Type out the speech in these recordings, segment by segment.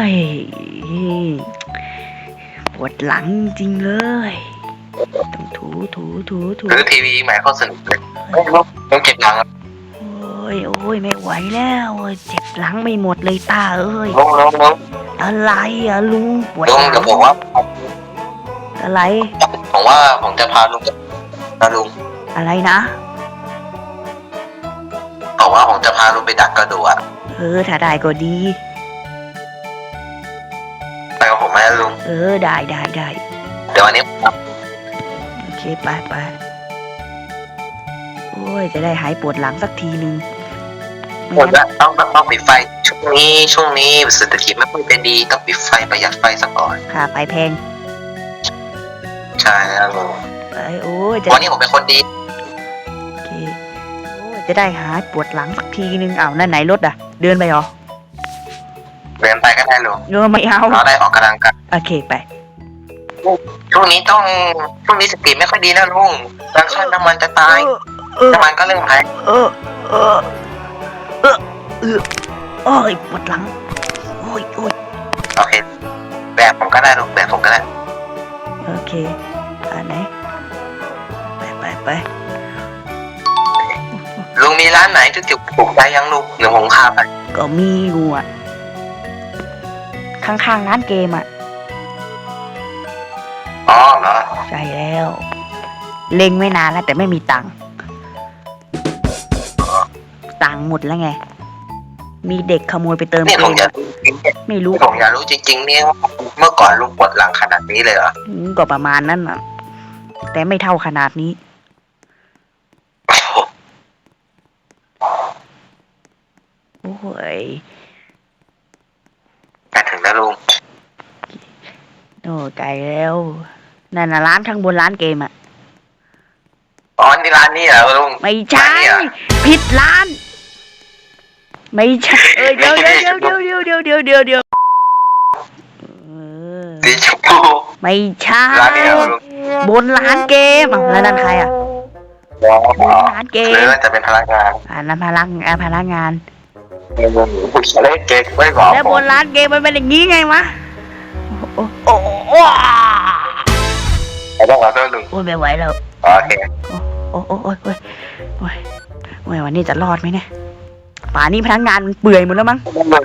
ยปวดหลังจริงเลยต้องถูหรือทีวีใหม่เขาสนุกเลยต้องเก็บหลังโอ้ยไม่ไหวแล้วเจ็บหลังไม่หมดเลยตาเอ้ยลงอะไรอะลุงปวดหลุงลังเดี๋ยวผมว่าอะไรผมจะพาลุงนะลุงอะไรนะบอกว่าผมจะพาลุงไปดักกระดูกถ้าได้ก็ดีไปกับผมไหมลุงได้เดี๋ยววันนี้โอเคไปโอ้ยจะได้หายปวดหลังสักทีนึงผมต้องปิดไฟช่วงนี้เศรษฐกิจไม่ค่อยเป็นดีต้องปิดไฟประหยัดไฟสักหน่อยค่ะไฟแพงใช่แล้วลุงวันนี้ผมเป็นคนดีโอเคจะได้หายปวดหลังสักทีนึงนั่นไหนรถเดินไปเหรอเดินไปก็ได้ลุงไม่เอาเราได้ออกกำลังกายโอเคไปช่วงนี้สติไม่ค่อยดีนะลุงราคาน้ำมันจะตายน้ำมันก็เรื่องแพงโอ้ยปวดหลังโอ้ยโอเคแบบผมก็ได้ลุงแบบผมก็ได้โอเคไหนไปลุงมีร้านไหนที่จุกถูกใจยังลุงเดี๋ยวผมพาไปก็มีอยู่ข้างร้านเกมอ๋อเหรอใช่แล้วเล็งไม่นานแล้วแต่ไม่มีตังค์หมดแล้วไงมีเด็กขโมยไปเติมเกมไม่รู้ผมอยากรู้จริงๆเนี่ยเมื่อก่อนลุงปวดหลังขนาดนี้เลยเหรอก็ประมาณนั้นแต่ไม่เท่าขนาดนี้โอ้ยใกล้ถึงแล้วลุงไกลแล้วนั่นร้านข้างบนร้านเกมอ๋อนี่ร้านนี้เหรอลุงไม่ใช่ผิดร้านไม่ใช่เดี๋ยวสีชมพูไม่ใช่บนร้านเกมแล้วนั่นใครบนร้านเกมน่าจะเป็นพนักงานนั่นพนักงานผู้ชายเก่งไม่บอกแล้วบนร้านเกมมันเป็นอย่างนี้ไงวะโอ้ต้องขอโทษลุงไม่ไหวแล้วโอเคโอ้ยวันนี้จะรอดไหมเนี่ยป่านี้พนักงานมันเปื่อยหมดแล้วมั้ง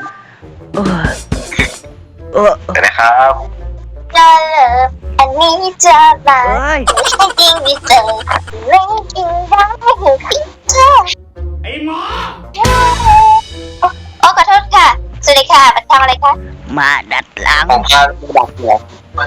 นะครับจะเลิกอันนี้จะมาไม่ใช่จริงดิเจอไม่จริงได้หูพี่เธอไอ้หมอขอโทษค่ะสวัสดีค่ะมาทำอะไรคะมาดัดหลังผมพาไปดัดหลัง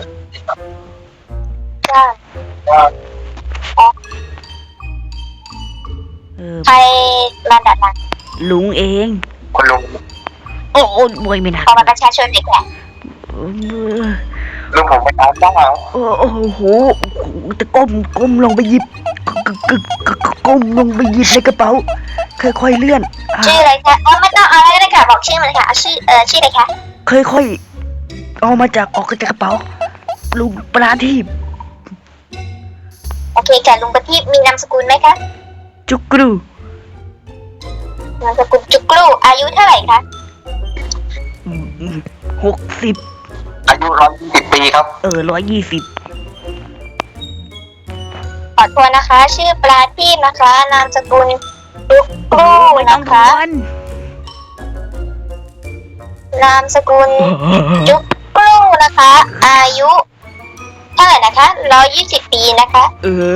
ใครมาดัดหลังลุงเองคุณลุงโอ้ยไม่นะขอบัตรประชาชนเด็กแหละลุงผมไปตามบ้างโอ้โหจะก้มลงไปหยิบก้มลงไปหยิบในกระเป๋าค่อยๆเลื่อนชื่ออะไรคะไม่ต้องเอาอะไรก็ได้ค่ะบอกชื่อมันเลยค่ะชื่ออะไรคะค่อยๆออกมาจากกระเป๋าลุงประทีปโอเคค่ะลุงประทีปมีนามสกุลไหมคะจุกรูนามสกุลจุกรูอายุเท่าไหร่คะ 60 อายุ120 ปีครับ 120 ขอโทษนะคะชื่อปลาทีปนะคะนามสกุลจุกรูนะคะนามสกุลจุกรูนะคะอายุเท่าไหร่นะคะ120 ปีนะคะ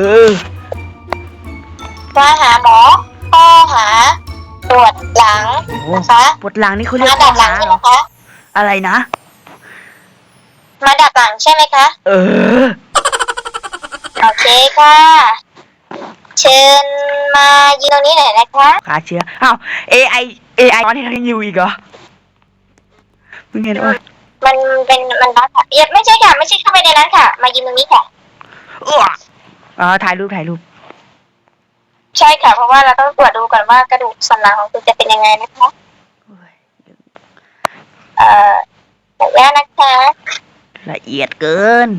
มาหาหมอข้อหาปวดหลังนะคะปวดหลังนี่เขาเรียกมาดัดหลังใช่ไหมคะอะไรนะมาดัดหลังใช่ไหมคะโอเคค่ะเชิญมายืนตรงนี้หน่อยนะคะขาเชื้อAI ตอนนี้ยังอยู่อีกเหรอมึงเห็นว่ามันร้านค่ะไม่ใช่ค่ะไม่ใช่เข้าไปในร้านค่ะมายืนตรงนี้ค่ะถ่ายรูปใช่ค่ะเพราะว่าเราต้องตรวจดูก่อนว่ากระดูกสันหลังของคุณจะเป็นยังไงนะคะแบบนี้นะคะละเอียดเกิน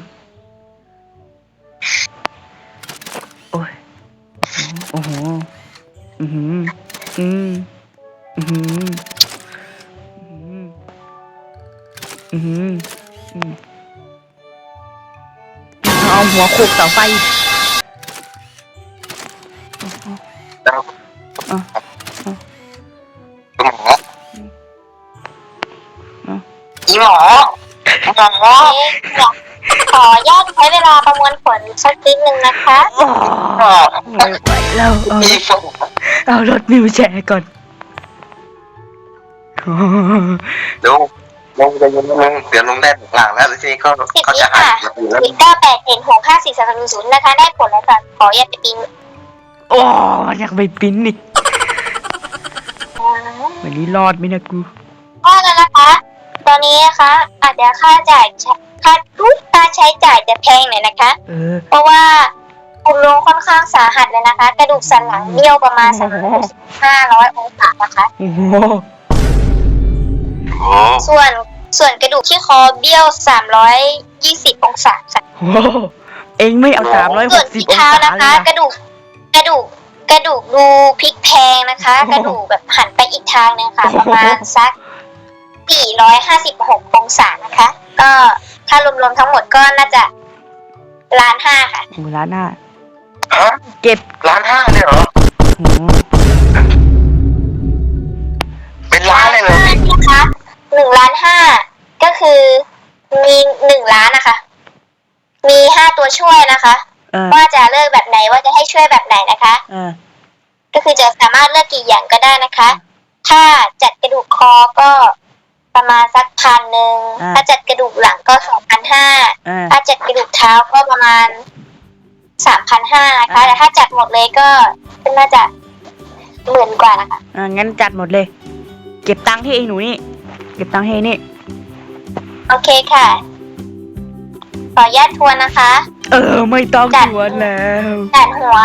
โอ้ยโอ้โหขกเสาไฟคุณหมออีหมอขออนุญาตใช้เวลาประมวลผลสักนิดนึงนะคะไม่ไหวแล้วอีฝนเอารถวิวแชร์ก่อนลุงจะยังลุงเดี๋ยวลุงได้หลังแล้วทีนี้ก็สิบเขาวิจะหาค่ะยแล้ว 0987165430นะคะได้ผลแล้วค่ะขออนุญาตไปปิ้งโอ้อยากไปปิ้นอีกวันนี้รอดไหมนะกูก็แล้วนะคะ ตอนนี้นะคะอาจจะค่าใช้จ่ายจะแพงหน่อยนะคะ เพราะว่าคุณลุงค่อนข้างสาหัสเลยนะคะ กระดูกสันหลังเบี้ยวประมาณ500 องศานะคะโอ้โหโอ้ส่วนกระดูกที่คอเบี้ยว320 องศาค่ะโอ้โหเองไม่เอา360 ส่วนที่องเท้าศานะเลยคะนะกระดูกดูพลิกแพงนะคะ กระดูกแบบหันไปอีกทางนึงค่ะ ประมาณสัก456 องศานะคะ ก็ถ้ารวมๆทั้งหมดก็น่าจะ1,500,000ค่ะโอ้ล้านหน้าฮะเก็บ 1,500,000เลยเหรอโอ้เป็นล้านเลยเหรอนะคะ1,500,000ก็คือมี1 ล้านนะคะ มี5 ตัวช่วยนะคะ ว่าจะเลือกแบบไหนว่าจะให้ช่วยแบบไหนนะคะ ก็คือจะสามารถเลือกกี่อย่างก็ได้นะคะ ถ้าจัดกระดูกคอก็ประมาณสัก1,000ถ้าจัดกระดูกหลังก็2,500ถ้าจัดกระดูกเท้าก็ประมาณ3,500นะคะแต่ถ้าจัดหมดเลยก็น่าจะ10,000 กว่านะคะงั้นจัดหมดเลย เก็บตังค์ที่เองหนูนี่ เก็บตังค์ให้นี่โอเคค่ะขออนุญาตทวนนะคะไม่ต้องชวนแล้วจัดหัว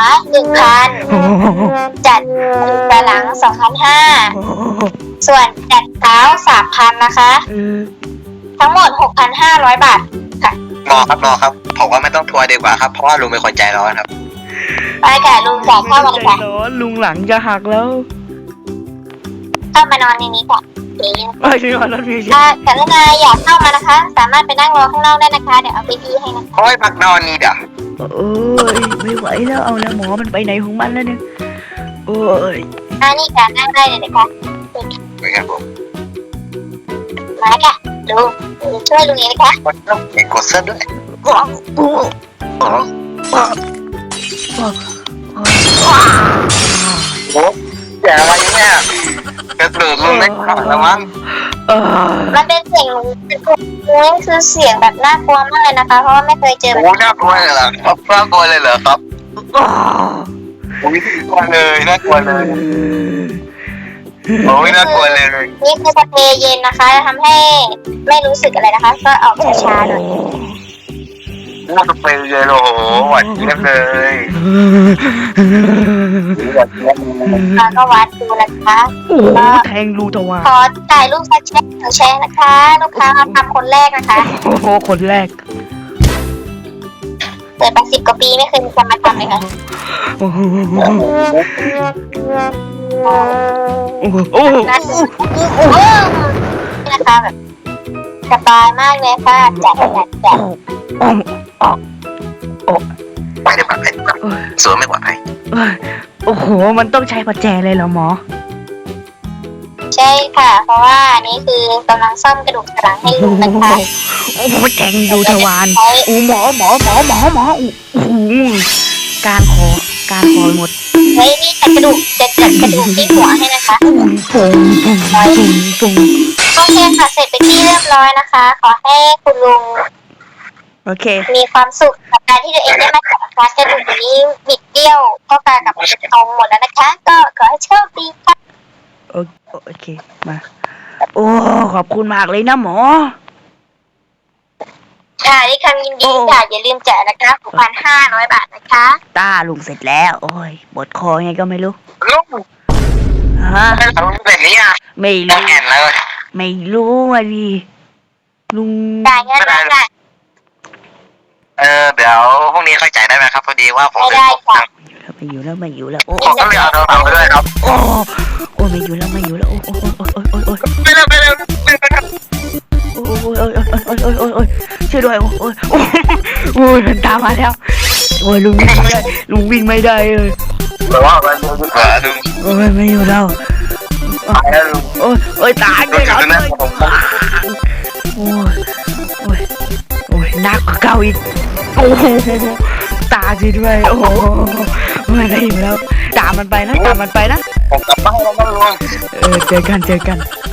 1,000จัดกระดูกสันหลัง 2,500ส่วนจัดเท้า 3,000นะคะ ทั้งหมด 6,500 บาทค่ะหมอครับผมว่าไม่ต้องทัวร์ดีกว่าครับเพราะว่าลุงเป็นคนใจร้อนครับไปค่ะลุงจ่ายเข้ามาเลยค่ะลุงหลังจะหักแล้วเข้ามานอนในนี้ค่ะนี่ไม่ใช่ว่ารถวิวแชร์ถ้ากรุณาอยากเข้ามานะคะ สามารถไปนั่งรอข้างนอกได้นะคะ เดี๋ยวเอาไปที่ให้นะคะโอ้ยพักนอนนี่เด้อโอ้ยไม่ไหวแล้วเอาแล้วหมอมันไปไหนของมันแล้วเนี่ยโอ้ยนี่ค่ะนั่งได้เลยนะคะเป็นไงผมมาค่ะลุงช่วยลุงเองนะคะกดเสื้อด้วยโอ้โอ้โอ้โอ้โอ้แย่อะไรเนี่ยกระดูกลุงไม่ขาดแล้วมั้งมันเป็นเสียงลุงนี่คือเสียงแบบน่ากลัวมากเลยนะคะ เพราะว่าไม่เคยเจอแบบโอ้น่ากลัวเลยเหรอครับน่ากลัวเลยเหรอครับโอ้ยน่ากลัวเลยน่ากลัวเลยโอ้ยน่ากลัวเลยนี่คือสเปรย์เย็นนะคะจะทำให้ไม่รู้สึกอะไรนะคะ ก็ออกช้าๆหน่อยน่าจะเป็นเลยโอ้โหหวานเจี๊ยบเลยหวานเจี๊ยบเลยแล้วก็วัดดูนะคะโอ้แทงรูทวารขอถ่ายรูปสักแชร์1 แชร์นะคะ ลูกค้ามาทำคนแรกนะคะโอ้โหคนแรกเปิดมา10 กว่าปีไม่เคยมีคนมาทำเลยค่ะโอ้โหโอ้โหโอ้โหน่าจะนี่นะคะแบบสบายมากเลยค่ะจัดไปดีกว่าไปดีกว่าสวยไม่กว่าไปโอ้โหมันต้องใช้ประแจเลยเหรอหมอใช่ค่ะ เพราะว่านี่คือกำลังซ่อมกระดูกสันหลังให้ลุงนะคะโอ้โหแทงดูทวารโอ้หมอโอ้โหการคอหมดเฮ้ยนี่จัดกระดูกที่หัวให้นะคะปุ้งโอเคค่ะเสร็จไปนที่เรียบร้อยนะคะ ขอให้คุณลุงโอเคมีความสุขกับการที่ตัวเองได้มาจัดการกระดูกนี้บิดเบี้ยวก็กลายกับเป็นทองหมดแล้วนะคะ ก็ขอให้โชคดีค่ะโอเคมาโอ้ขอบคุณมากเลยนะหมอค่ะด้วยคำยินดีค่ะอย่าลืมจ่ายนะคะ 6,500 บาทนะคะต้าลุงเสร็จแล้วโอ้ยปวดคอไงก็ไม่รู้ลุงฮะไม่รู้แบบนี้อ่ะไม่ต้อรู้งแอนเลยไม่รู้อ่ะดิลุงจ่ายเงินแล้วค่ะเดี๋ยวพรุ่งนี้ค่อยจ่ายได้ไหมครับพอดีว่าผมไม่ได้ค่ะไม่อยู่แล้วโอ้ผมก็เลยเอาโทรศัพท์ไปด้วยครับโอ้ไม่อยู่แล้วโอ้ไปเร็วไปเร็วไปเร็วโอ้ช่วยด้วยโอ้ยมันตามมาแล้วโอ้ยลุงวิ่งไม่ได้ลุงวิ่งไม่ได้เลยแต่ว่ามันอยู่ขวาลุงโอ้ยไม่อยู่แล้วตายแล้วลุงโอ้ยโอ้ยตายลุเลงยอยู่เหรอตรงนั้นผมโอ้ยโอ้ยโอ้ยหนักกว่าเก่าอีกโอ้โหตาจีด้วยโอ้โหไม่ได้อยู่แล้วตามมันไปนะตามมันไปนะผมกลับบ้านแล้วนะลุงเจอกัน